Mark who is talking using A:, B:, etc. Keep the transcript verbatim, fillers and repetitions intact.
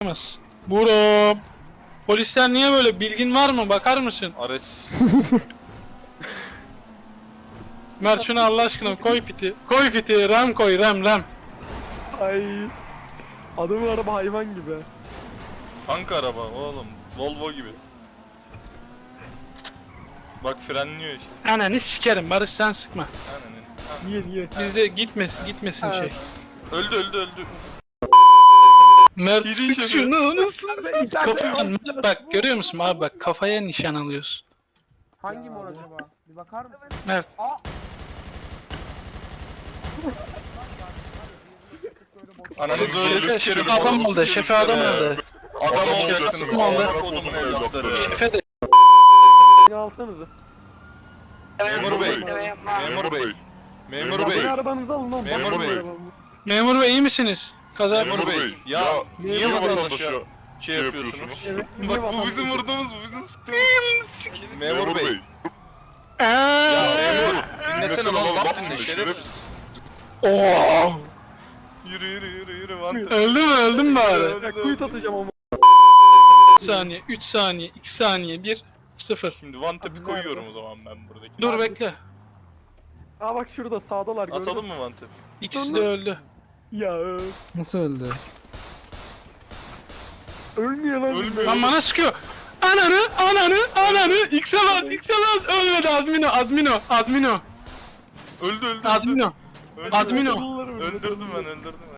A: Buram. Polisler niye böyle? Bilgin var mı? Bakar mısın?
B: Ares.
A: Mert şunu Allah aşkına koy piti. Koy piti. Ram koy. Ram ram.
C: Ay. Adamın araba hayvan gibi.
B: Tank araba oğlum. Volvo gibi. Bak frenliyor işte.
A: Ananı sikerim. Barış sen sıkma.
B: Aynen.
C: Niye niye?
A: Bizde gitmesin. Gitmesin
C: Ha.
A: şey.
B: Öldü öldü öldü.
A: Mert
B: Yedi
A: sık
B: şoför.
A: şunu. Nasıl? Kafadan Mert bak görüyor musun abi bak kafaya nişan alıyorsun.
D: Hangi mor acaba? Bir bakar mısın?
A: Mert.
B: Ananızı öyle
A: Şefe,
B: sikerim.
A: şefe adam
B: orospu
A: oldu. Şefe adam
B: çocukları.
A: oldu.
B: Adam olacaksınız.
A: Adam oldu.
B: Amına kodumun evlatları.
A: Şefe de.
C: Beni alsanıza.
B: Memur bey. Memur bey. Memur
C: Ya
B: bey.
C: beni arabanızı alın lan.
B: Memur
C: bana
B: bey.
C: bu arabamı.
A: Memur bey iyi misiniz? Kaza.
B: Memur bey. Ya niye
C: Memur
B: vatandaşa şey yapıyorsunuz?
C: Evet. niye
B: Bak bu
C: vatandaş-
B: bizim vurduğumuz, bu bizim sıktığımız. Memur bey.
A: Eee.
B: Ya memur. Dinlesene lan laf dinle şeref.
A: Oo.
B: Yürü yürü yürü yürü vantı.
A: Öldü mü? Öldüm mü bari?
C: Ya kuyut atacağım ama.
A: üç saniye, üç saniye, iki saniye, bir, sıfır.
B: Şimdi vantep'i koyuyorum o zaman ben buradaki.
A: Dur bekle.
C: Aa bak şurada sağdalar gördün.
B: Atalım mı vantep?
A: İkisi de öldü.
C: Ya öf.
E: Nasıl öldü?
C: Ölmüyor lan.
B: Ölmüyor.
A: Lan bana sıkıyor. Ananı, ananı, ananı. X'e bas, X'e bas. Ölmedi Admino, Admino, Admino,
B: Öldü öldü. öldü.
A: Admino.
B: Öldü.
A: Admino.
C: Bunları öldürdüm.
B: Öldürdüm ben öldürdüm ben.